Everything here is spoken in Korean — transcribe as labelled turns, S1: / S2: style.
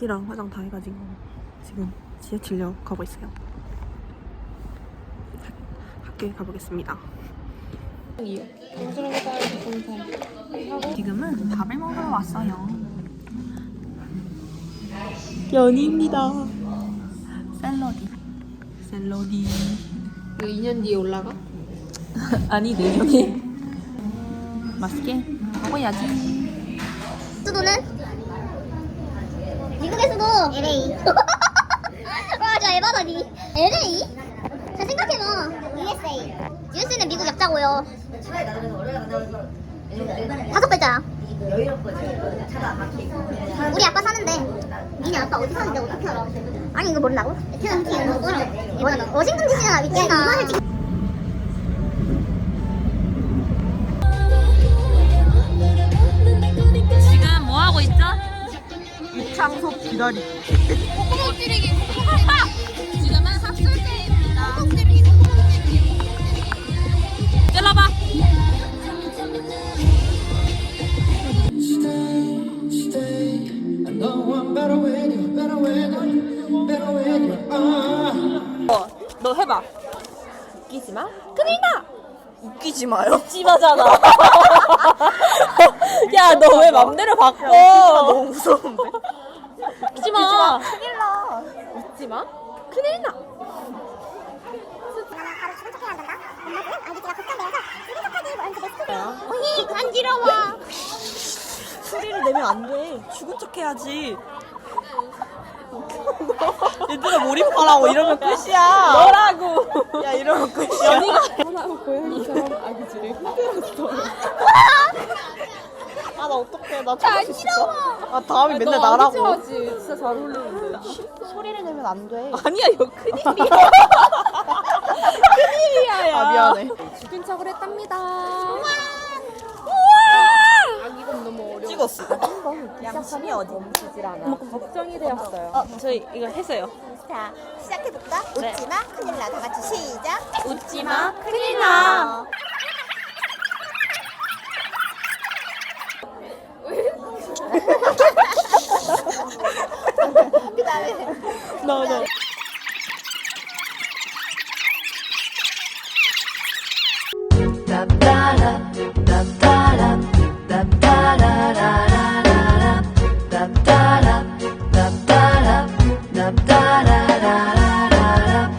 S1: 립스틱이랑 화장 다 해가지고 지금 지하철역 가고 있어요. 학교에 가보겠습니다. 지금은 밥을 먹으러 왔어요. 연희입니다. 샐러디.
S2: 이거 2년 뒤에 올라가?
S1: 아니 내년에. 맛있게 먹어야지.
S3: 수도는? 미국의 수도 LA. 와, 저 에바다니. LA? 잘 생각해봐. USA. US는 미국 약자고요. 5글자야. 우리 아빠 사는데. 니네 아빠 어디 사는데 어떻게 알아? 아니 이거 모른다고? 베트남 팀 뭐야? 워싱턴 DC잖아 미친아.
S1: 지금 뭐 하고 있죠? 유창소 기다리.
S3: 콧구멍 찌르기. 지금은 학술 때입니다. 콧구멍 찌르기.
S1: 찔러봐. 너 해봐. 웃기지 마. 큰일 나. 웃기지 마요. 웃지 마잖아. 야, 너 왜 맘대로 바꿔? 너무 무서운데. 웃지 마. 큰일 나. 웃지 마. 큰일 나.
S3: 바로 죽은 척해야 한단다. 엄마들은 아기가 걱정되어서 죽은 척하기 뭐 연습에 스토리. 어이 간지러워.
S1: 소리를 내면 안 돼. 죽은 척 해야지. 얘들아 몰입하라고 이러면 끝이야. 너라고. 야 이러면 끝이야. 연희가 하나고 고양이처럼 아기들을 흔들었어. 아 나 어떡해. 나 저럴 수 있어? 아 다음에 맨날 나라고.
S2: 하지. 진짜 잘 어울리는데.
S1: 소리를 내면 안 돼.
S2: 아니야, 이거 큰일이야. 큰일이야, 야.
S1: 아 미안해.
S2: 죽은 척을 했답니다. 이건 너무 어려워.
S1: 찍었어.
S2: 양심이 어디 멈추질 않아. 걱정이 되었어요.
S1: 저희 이거 했어요.
S3: 자 시작해볼까?
S1: 네.
S3: 웃지마 큰일 나. 다 같이 시작.
S1: 웃지 마. 큰일 나.
S3: 그다음에
S1: 너.
S4: da da da